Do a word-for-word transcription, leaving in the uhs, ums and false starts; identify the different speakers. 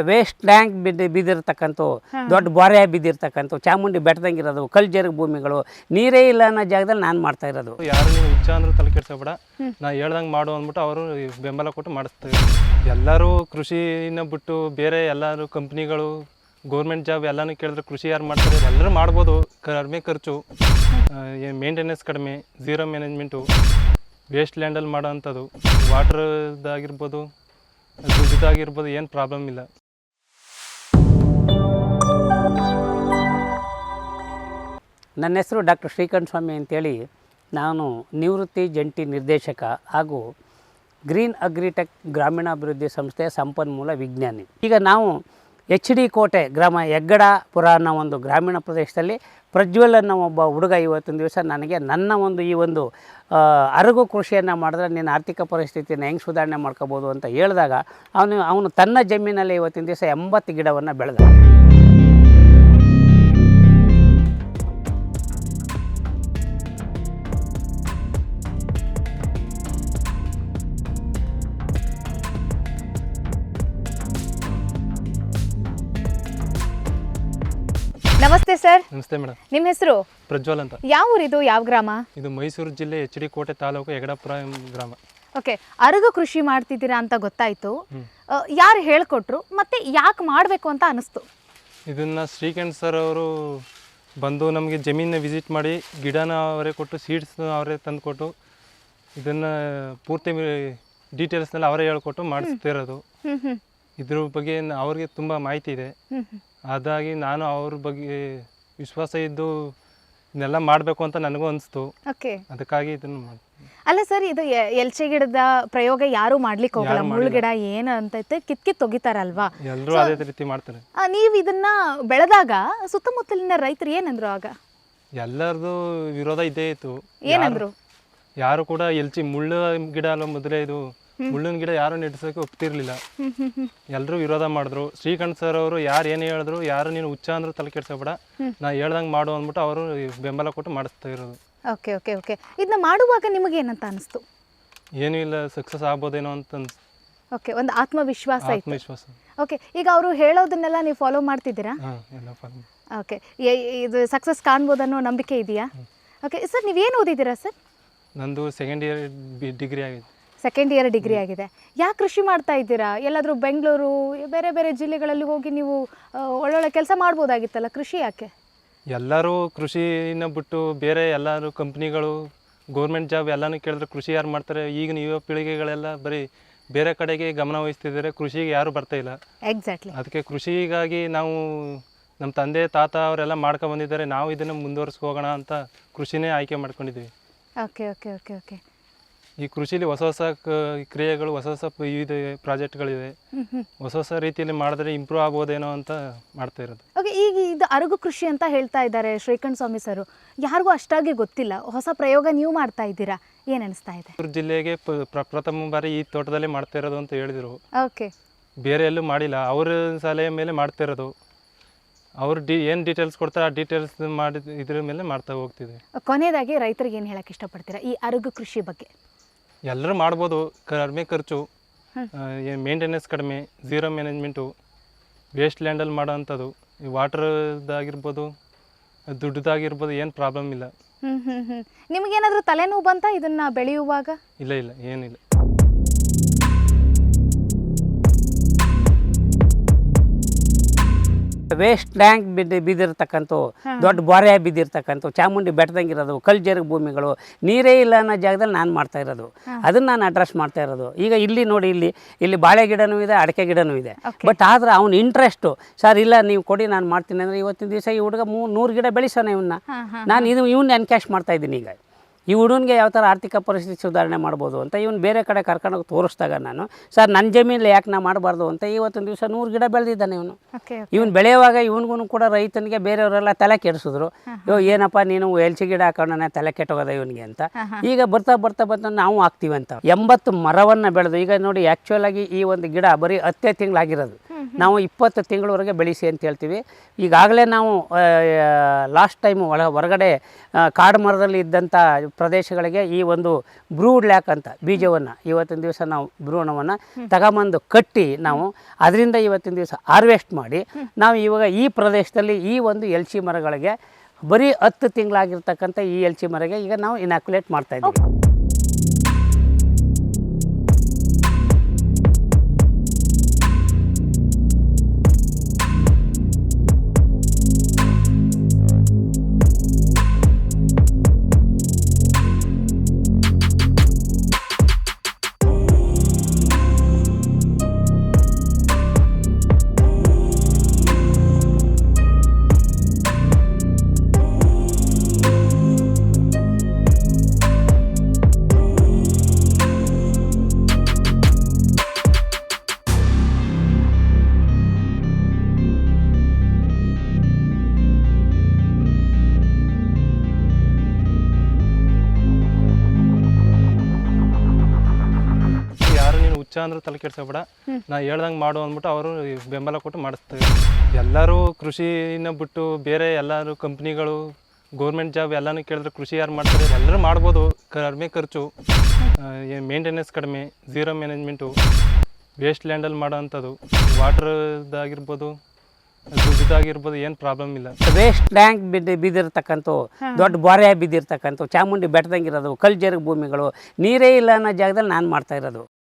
Speaker 1: Waste tank ಬಿದ್ದು ಬಿದ್ದಿರ್ತಕ್ಕಂಥ ದೊಡ್ಡ ಬೊರೆ ಬಿದ್ದಿರ್ತಕ್ಕಂಥ ಚಾಮುಂಡಿ ಬೆಟ್ಟದಂಗಿರೋದು ಕಲ್ಜರ್ಗ ಭೂಮಿಗಳು ನೀರೇ ಇಲ್ಲ ಅನ್ನೋ ಜಾಗದಲ್ಲಿ ನಾನು ಮಾಡ್ತಾ ಇರೋದು.
Speaker 2: ಯಾರು ನೀವು ಹುಚ್ಚ ಅಂದ್ರೂ ತಲೆ ಕೆಡ್ಸಬೇಡ, ನಾ ಹೇಳ್ದಂಗೆ ಮಾಡು ಅಂದ್ಬಿಟ್ಟು ಅವರು ಬೆಂಬಲ ಕೊಟ್ಟು ಮಾಡಿಸ್ತಾರೆ. ಎಲ್ಲರೂ ಕೃಷಿನ ಬಿಟ್ಟು ಬೇರೆ ಎಲ್ಲರೂ ಕಂಪ್ನಿಗಳು ಗೌರ್ಮೆಂಟ್ ಜಾಬ್ ಎಲ್ಲನೂ ಕೇಳಿದ್ರೆ ಕೃಷಿ ಯಾರು ಮಾಡ್ತಾರೆ? ಎಲ್ಲರೂ ಮಾಡ್ಬೋದು, ಕಡಿಮೆ ಖರ್ಚು, ಮೇಂಟೆನೆನ್ಸ್ ಕಡಿಮೆ, ಝೀರೋ ಮ್ಯಾನೇಜ್ಮೆಂಟು, ವೇಸ್ಟ್ ಲ್ಯಾಂಡಲ್ಲಿ ಮಾಡೋ ಅಂಥದ್ದು, ವಾಟ್ರದ್ದಾಗಿರ್ಬೋದು ದುಡ್ಡದಾಗಿರ್ಬೋದು, ಏನು ಪ್ರಾಬ್ಲಮ್ ಇಲ್ಲ.
Speaker 1: ನನ್ನ ಹೆಸರು ಡಾಕ್ಟರ್ ಶ್ರೀಕಂಠ ಸ್ವಾಮಿ ಅಂತೇಳಿ, ನಾನು ನಿವೃತ್ತಿ ಜಂಟಿ ನಿರ್ದೇಶಕ ಹಾಗೂ ಗ್ರೀನ್ ಅಗ್ರಿಟೆಕ್ ಗ್ರಾಮೀಣಾಭಿವೃದ್ಧಿ ಸಂಸ್ಥೆಯ ಸಂಪನ್ಮೂಲ ವಿಜ್ಞಾನಿ. ಈಗ ನಾವು ಎಚ್ ಡಿ ಕೋಟೆ ಗ್ರಾಮ ಹೆಗ್ಗಡಪುರ ಅನ್ನೋ ಒಂದು ಗ್ರಾಮೀಣ ಪ್ರದೇಶದಲ್ಲಿ ಪ್ರಜ್ವಲ್ ಅನ್ನೋ ಒಬ್ಬ ಹುಡುಗ ಇವತ್ತಿನ ದಿವಸ ನನಗೆ ನನ್ನ ಒಂದು ಈ ಒಂದು ಅರಗು ಕೃಷಿಯನ್ನು ಮಾಡಿದ್ರೆ ನಿನ್ನ ಆರ್ಥಿಕ ಪರಿಸ್ಥಿತಿಯನ್ನು ಹೆಂಗೆ ಸುಧಾರಣೆ ಮಾಡ್ಕೋಬೋದು ಅಂತ ಹೇಳಿದಾಗ ಅವನು ಅವನು ತನ್ನ ಜಮೀನಲ್ಲಿ ಇವತ್ತಿನ ದಿವಸ ಎಂಬತ್ತು ಗಿಡವನ್ನು ಬೆಳೆದ.
Speaker 3: ನಮಸ್ತೆ ಸರ್.
Speaker 2: ನಮಸ್ತೆ ಮೇಡಮ್.
Speaker 3: ನಿಮ್ಮ ಹೆಸರು?
Speaker 2: ಪ್ರಜ್ವಲ್ ಅಂತ.
Speaker 3: ಯಾವ ಊರಿದು, ಯಾವ ಗ್ರಾಮ?
Speaker 2: ಇದು ಮೈಸೂರು ಜಿಲ್ಲೆ ಎಚ್ ಡಿ ಕೋಟೆ ತಾಲೂಕು ಹೆಗ್ಗಡಪುರ ಗ್ರಾಮ.
Speaker 3: ಓಕೆ, ಅರಗು ಕೃಷಿ ಮಾಡ್ತಿದ್ದೀರಾ ಅಂತ ಗೊತ್ತಾಯ್ತು. ಯಾರು ಹೇಳ್ಕೊಟ್ರು ಮತ್ತೆ ಯಾಕೆ ಮಾಡಬೇಕು ಅಂತ ಅನಿಸ್ತು?
Speaker 2: ಇದನ್ನು ಶ್ರೀಕಂಠ್ ಸರ್ ಅವರು ಬಂದು ನಮಗೆ ಜಮೀನ ವಿಸಿಟ್ ಮಾಡಿ ಗಿಡನ ಅವರೇ ಕೊಟ್ಟು ಸೀಡ್ಸ್ ಅವರೇ ತಂದು ಕೊಟ್ಟು ಇದನ್ನು ಪೂರ್ತಿ ಡೀಟೇಲ್ಸ್ನೆಲ್ಲ ಅವರೇ ಹೇಳ್ಕೊಟ್ಟು ಮಾಡಿಸ್ತಿರೋದು. ಇದ್ರ ಬಗ್ಗೆ ಅವ್ರಿಗೆ ತುಂಬ ಮಾಹಿತಿ ಇದೆ. ಅದಾಗಿ ನಾನು ಅವ್ರ ಬಗ್ಗೆ ವಿಶ್ವಾಸ ಇದ್ದು ಇದನ್ನೆಲ್ಲ ಮಾಡಬೇಕು ಅಂತ ನನಗೂ ಅನಿಸ್ತು.
Speaker 3: ಓಕೆ,
Speaker 2: ಅದಕ್ಕಾಗಿ ಇದನ್ನು ಮಾಡಿ.
Speaker 3: ಅಲ್ಲ ಸರ್, ಇದು ಎಲ್ಚೆ ಗಿಡದ ಪ್ರಯೋಗ ಯಾರು ಮಾಡ್ಲಿಕ್ಕೆ ಹೋಗಲ್ಲ. ಮುಳ್ಳು ಗಿಡ ಏನು ಅಂತೈತೆ ಕಿತ್ ಕಿತ್ ತೆಗಿತಾರಲ್ವಾ,
Speaker 2: ಎಲ್ಲರೂ ಅದೇ ರೀತಿ ಮಾಡ್ತಾರೆ.
Speaker 3: ನೀವು ಇದನ್ನ ಬೆಳೆದಾಗ ಸುತ್ತಮುತ್ತಲಿನ ರೈತರು ಏನಂದ್ರು? ಆಗ
Speaker 2: ಎಲ್ಲರದು ವಿರೋಧ ಇದ್ದೇ ಇತ್ತು.
Speaker 3: ಏನಂದ್ರು?
Speaker 2: ಯಾರು ಕೂಡ ಎಲ್ಚಿ ಮುಳ್ಳು ಗಿಡ ಅಲ್ಲ ಮೊದಲೇ, ಇದು ಮುಳ್ಳಿನ ಗಿಡ ಯಾರು ನೆಡ್ಸೋಕೆ ಒಪ್ತಿರ್ಲಿಲ್ಲ. ಎಲ್ಲರೂ ವಿರೋಧ ಮಾಡಿದ್ರು. ಶ್ರೀಕಂಠ್ ಸರ್ ಅವರು ಯಾರು ಏನು ಹೇಳಿದ್ರು, ಯಾರು ನೀನು ಹುಚ್ಚ ಅಂದ್ರೂ ತಲೆ ಕೆಡ್ಸಬೇಡ, ನಾ ಹೇಳ್ದಂಗೆ ಮಾಡು ಅಂದ್ಬಿಟ್ಟು ಅವರು ಬೆಂಬಲ ಕೊಟ್ಟು ಮಾಡಿಸ್ತಾ ಇರೋದು.
Speaker 3: ಓಕೆ ಓಕೆ ಓಕೆ ಇದನ್ನ ಮಾಡುವಾಗ ನಿಮಗೆ ಏನಂತ ಅನಿಸ್ತು?
Speaker 2: ಏನೂ ಇಲ್ಲ, ಸಕ್ಸಸ್ ಆಗ್ಬೋದೇನೋ ಅಂತ ಅನ್ಸ್ತು.
Speaker 3: ಓಕೆ, ಒಂದು ಆತ್ಮವಿಶ್ವಾಸ ಆಯ್ತು.
Speaker 2: ಆತ್ಮವಿಶ್ವಾಸ.
Speaker 3: ಓಕೆ, ಈಗ ಅವರು ಹೇಳೋದನ್ನೆಲ್ಲ ನೀವು ಫಾಲೋ ಮಾಡ್ತಿದ್ದೀರಾ?
Speaker 2: ಹಾಂ, ಎಲ್ಲ ಫಾಲೋ.
Speaker 3: ಓಕೆ, ಇದು ಸಕ್ಸಸ್ ಕಾಣ್ಬೋದನ್ನೋ ನಂಬಿಕೆ ಇದೆಯಾ? ಓಕೆ ಸರ್, ನೀವೇನು ಓದಿದ್ದೀರಾ ಸರ್?
Speaker 2: ನಂದು ಸೆಕೆಂಡ್ ಇಯರ್ ಡಿಗ್ರಿ ಆಗಿದೆ.
Speaker 3: ಸೆಕೆಂಡ್ ಇಯರ್ ಡಿಗ್ರಿ ಆಗಿದೆ. ಯಾಕೆ ಕೃಷಿ ಮಾಡ್ತಾ ಇದ್ದೀರಾ? ಎಲ್ಲಾದರೂ ಬೆಂಗಳೂರು ಬೇರೆ ಬೇರೆ ಜಿಲ್ಲೆಗಳಲ್ಲಿ ಹೋಗಿ ನೀವು ಒಳ್ಳೊಳ್ಳೆ ಕೆಲಸ ಮಾಡ್ಬೋದಾಗಿತ್ತಲ್ಲ, ಕೃಷಿ ಯಾಕೆ?
Speaker 2: ಎಲ್ಲರೂ ಕೃಷಿನ ಬಿಟ್ಟು ಬೇರೆ ಎಲ್ಲರೂ ಕಂಪ್ನಿಗಳು ಗೌರ್ಮೆಂಟ್ ಜಾಬ್ ಎಲ್ಲನೂ ಕೇಳಿದ್ರೆ ಕೃಷಿ ಯಾರು ಮಾಡ್ತಾರೆ? ಈಗಿನ ಯುವ ಪೀಳಿಗೆಗಳೆಲ್ಲ ಬರೀ ಬೇರೆ ಕಡೆಗೆ ಗಮನ ವಹಿಸ್ತಿದ್ದಾರೆ, ಕೃಷಿಗೆ ಯಾರು ಬರ್ತಾ ಇಲ್ಲ.
Speaker 3: ಎಕ್ಸಾಕ್ಟ್ಲಿ.
Speaker 2: ಅದಕ್ಕೆ ಕೃಷಿಗಾಗಿ ನಾವು ನಮ್ಮ ತಂದೆ ತಾತ ಅವರೆಲ್ಲ ಮಾಡ್ಕೊಂಡು ಬಂದಿದ್ದಾರೆ, ನಾವು ಇದನ್ನು ಮುಂದುವರಿಸ್ಕೋಗೋಣ ಅಂತ ಕೃಷಿನೇ ಆಯ್ಕೆ ಮಾಡ್ಕೊಂಡಿದ್ದೀವಿ.
Speaker 3: ಓಕೆ ಓಕೆ ಓಕೆ ಓಕೆ
Speaker 2: ಈ ಕೃಷಿಲಿ ಹೊಸ ಹೊಸ ಕ್ರಿಯೆಗಳು, ಹೊಸ ಹೊಸ ಇದು ಪ್ರಾಜೆಕ್ಟ್ಗಳಿವೆ. ಹೊಸ ಹೊಸ ರೀತಿಯಲ್ಲಿ ಮಾಡಿದ್ರೆ ಇಂಪ್ರೂವ್ ಆಗ್ಬೋದೇನೋ ಅಂತ ಮಾಡ್ತಾ ಇರೋದು. ಓಕೆ,
Speaker 3: ಈಗ ಇದು ಅರಗು ಕೃಷಿ ಅಂತ ಹೇಳ್ತಾ ಇದ್ದಾರೆ ಶ್ರೀಕಂಠ ಸ್ವಾಮಿ ಸರ್. ಯಾರಿಗೂ ಅಷ್ಟಾಗಿ ಗೊತ್ತಿಲ್ಲ, ಹೊಸ ಪ್ರಯೋಗ ನೀವು ಮಾಡ್ತಾ ಇದ್ದೀರಾ, ಏನು ಅನಿಸ್ತಾ ಇದೆ?
Speaker 2: ಮೈಸೂರು ಜಿಲ್ಲೆಗೆ ಪ್ರಥಮ ಬಾರಿ ಈ ತೋಟದಲ್ಲೇ ಮಾಡ್ತಾ ಇರೋದು ಅಂತ ಹೇಳಿದರು.
Speaker 3: ಓಕೆ,
Speaker 2: ಬೇರೆ ಎಲ್ಲೂ ಮಾಡಿಲ್ಲ, ಅವ್ರ ಸಲಹೆ ಮೇಲೆ ಮಾಡ್ತಾ ಇರೋದು. ಅವ್ರು ಡಿ ಏನು ಡೀಟೇಲ್ಸ್ ಕೊಡ್ತಾರೆ ಆ ಡೀಟೇಲ್ಸ್ ಮಾಡಿ ಇದ್ರ ಮೇಲೆ ಮಾಡ್ತಾ ಹೋಗ್ತಿದ್ವಿ.
Speaker 3: ಕೊನೆಯದಾಗಿ ರೈತರಿಗೆ ಏನು ಹೇಳಕ್ಕೆ ಇಷ್ಟಪಡ್ತೀರಾ ಈ ಅರಗು ಕೃಷಿ ಬಗ್ಗೆ?
Speaker 2: ಎಲ್ಲರೂ ಮಾಡ್ಬೋದು, ಕಡಿಮೆ ಖರ್ಚು, ಮೇಂಟೆನೆನ್ಸ್ ಕಡಿಮೆ, ಝೀರೋ ಮ್ಯಾನೇಜ್ಮೆಂಟು, ವೇಸ್ಟ್ ಲ್ಯಾಂಡಲ್ಲಿ ಮಾಡೋ ಅಂಥದ್ದು, ಈ ವಾಟ್ರದ್ದಾಗಿರ್ಬೋದು ದುಡ್ಡದಾಗಿರ್ಬೋದು, ಏನು ಪ್ರಾಬ್ಲಮ್ ಇಲ್ಲ.
Speaker 3: ಹ್ಞೂ ಹ್ಞೂ ಹ್ಞೂ ನಿಮಗೇನಾದರೂ ತಲೆನೋವು ಬಂತಾ ಇದನ್ನು ಬೆಳೆಯುವಾಗ?
Speaker 2: ಇಲ್ಲ ಇಲ್ಲ, ಏನಿಲ್ಲ.
Speaker 1: ವೇಸ್ಟ್ ಟ್ಯಾಂಕ್ ಬಿದ್ದು ಬಿದ್ದಿರ್ತಕ್ಕಂಥ ದೊಡ್ಡ ಬೊರೆ ಬಿದ್ದಿರ್ತಕ್ಕಂಥ ಚಾಮುಂಡಿ ಬೆಟ್ಟದಂಗಿರೋದು ಕಲ್ಜರ್ಗ ಭೂಮಿಗಳು ನೀರೇ ಇಲ್ಲ ಅನ್ನೋ ಜಾಗದಲ್ಲಿ ನಾನು ಮಾಡ್ತಾ ಇರೋದು. ಅದನ್ನು ನಾನು ಅಡ್ರೆಸ್ ಮಾಡ್ತಾ ಇರೋದು. ಈಗ ಇಲ್ಲಿ ನೋಡಿ, ಇಲ್ಲಿ ಇಲ್ಲಿ ಬಾಳೆ ಗಿಡನೂ ಇದೆ, ಅಡಿಕೆ ಗಿಡನೂ ಇದೆ. ಬಟ್ ಆದ್ರೆ ಅವ್ನ ಇಂಟ್ರೆಸ್ಟು, ಸರ್ ಇಲ್ಲ ನೀವು ಕೊಡಿ ನಾನು ಮಾಡ್ತೀನಿ ಅಂದರೆ ಇವತ್ತಿನ ದಿವಸ ಈ ಹುಡುಗ ಮೂ ನೂರು ಗಿಡ ಬೆಳೆಸೋಣ ಇವನ್ನ. ನಾನು ಇದು ಇವನ್ನ ಎನ್ಕ್ಯಾಶ್ ಮಾಡ್ತಾ ಇದ್ದೀನಿ. ಈಗ ಈ ಹುಡುಗನಿಗೆ ಯಾವ ಥರ ಆರ್ಥಿಕ ಪರಿಸ್ಥಿತಿ ಸುಧಾರಣೆ ಮಾಡ್ಬೋದು ಅಂತ ಇವನು ಬೇರೆ ಕಡೆ ಕರ್ಕೊಂಡೋಗಿ ತೋರಿಸ್ದಾಗ ನಾನು, ಸರ್ ನನ್ನ ಜಮೀನಲ್ಲಿ ಯಾಕೆ ನಾ ಮಾಡಬಾರ್ದು ಅಂತ ಇವತ್ತಿನ ದಿವಸ ನೂರು ಗಿಡ ಬೆಳೆದಿದ್ದಾನೆ ಇವನು. ಇವನು ಬೆಳೆಯುವಾಗ ಇವನಿಗೂ ಕೂಡ ರೈತನಿಗೆ ಬೇರೆಯವರೆಲ್ಲ ತಲೆ ಕೆಡಿಸಿದ್ರು, ಇವಾಗ ಏನಪ್ಪ ನೀನು ಎಲ್ಚಿ ಗಿಡ ಹಾಕೋಣ ತಲೆ ಕೆಟ್ಟೋಗದ ಇವನಿಗೆ ಅಂತ. ಈಗ ಬರ್ತಾ ಬರ್ತಾ ಬರ್ತಾ ನಾವು ಹಾಕ್ತೀವಿ ಅಂತ ಎಂಬತ್ತು ಮರವನ್ನು ಬೆಳೆದು, ಈಗ ನೋಡಿ ಆ್ಯಕ್ಚುಲಾಗಿ ಈ ಒಂದು ಗಿಡ ಬರೀ ಹತ್ತೇ ತಿಂಗಳಾಗಿರೋದು. ನಾವು ಇಪ್ಪತ್ತು ತಿಂಗಳವರೆಗೆ ಬೆಳೆಸಿ ಅಂತ ಹೇಳ್ತೀವಿ. ಈಗಾಗಲೇ ನಾವು ಲಾಸ್ಟ್ ಟೈಮು ಒಳ ಹೊರಗಡೆ ಆ, ಕಾಡು ಮರದಲ್ಲಿ ಇದ್ದಂಥ ಪ್ರದೇಶಗಳಿಗೆ ಈ ಒಂದು ಬ್ರೂಡ್ ಲ್ಯಾಕ್ ಅಂತ ಬೀಜವನ್ನು ಇವತ್ತಿನ ದಿವಸ ನಾವು ಭ್ರೂಣವನ್ನು ತಗೊಂಬಂದು ಕಟ್ಟಿ ನಾವು ಅದರಿಂದ ಇವತ್ತಿನ ದಿವಸ ಹಾರ್ವೆಸ್ಟ್ ಮಾಡಿ ನಾವು ಇವಾಗ ಈ ಪ್ರದೇಶದಲ್ಲಿ ಈ ಒಂದು ಎಲ್ಚಿ ಮರಗಳಿಗೆ ಬರೀ ಹತ್ತು ತಿಂಗಳಾಗಿರ್ತಕ್ಕಂಥ ಈ ಎಲ್ಚಿ ಮರಗೆ ಈಗ ನಾವು ಇನಾಕ್ಯುಲೇಟ್ ಮಾಡ್ತಾ ಇದ್ದೀವಿ.
Speaker 2: ಯಾರು ನೀನು ಹುಚ್ಚ ಅಂದ್ರೂ ತಲೆ ಕೆಡ್ಸೋಬೇಡ, ನಾ ಹೇಳ್ದಂಗೆ ಮಾಡು ಅಂದ್ಬಿಟ್ಟು ಅವರು ಬೆಂಬಲ ಕೊಟ್ಟು ಮಾಡಿಸ್ತಾರೆ. ಎಲ್ಲರೂ ಕೃಷಿನ ಬಿಟ್ಟು ಬೇರೆ ಎಲ್ಲರೂ ಕಂಪ್ನಿಗಳು ಗೌರ್ಮೆಂಟ್ ಜಾಬ್ ಎಲ್ಲನೂ ಕೇಳಿದ್ರೆ ಕೃಷಿ ಯಾರು ಮಾಡ್ತಾರೆ? ಎಲ್ಲರೂ ಮಾಡ್ಬೋದು, ಕಡಿಮೆ ಖರ್ಚು, ಮೇಂಟೆನೆನ್ಸ್ ಕಡಿಮೆ, ಝೀರೋ ಮ್ಯಾನೇಜ್ಮೆಂಟು, ವೇಸ್ಟ್ ಲ್ಯಾಂಡಲ್ಲಿ ಮಾಡೋ ಅಂಥದ್ದು, ವಾಟ್ರದ್ದಾಗಿರ್ಬೋದು, ದುಡ್ಡದಾಗಿರ್ಬೋದು, ಏನು ಪ್ರಾಬ್ಲಮ್ ಇಲ್ಲ.
Speaker 1: ವೇಸ್ಟ್ ಟ್ಯಾಂಕ್ ಬಿದ್ದು ಬಿದ್ದಿರ್ತಕ್ಕಂಥ ದೊಡ್ಡ ಬೊರೆ ಬಿದ್ದಿರ್ತಕ್ಕಂಥ ಚಾಮುಂಡಿ ಬೆಟ್ಟದಂಗಿರೋದು ಕಲ್ಲು ಜರುಗು ಭೂಮಿಗಳು, ನೀರೇ ಇಲ್ಲ ಅನ್ನೋ ಜಾಗದಲ್ಲಿ ನಾನು ಮಾಡ್ತಾ ಇರೋದು.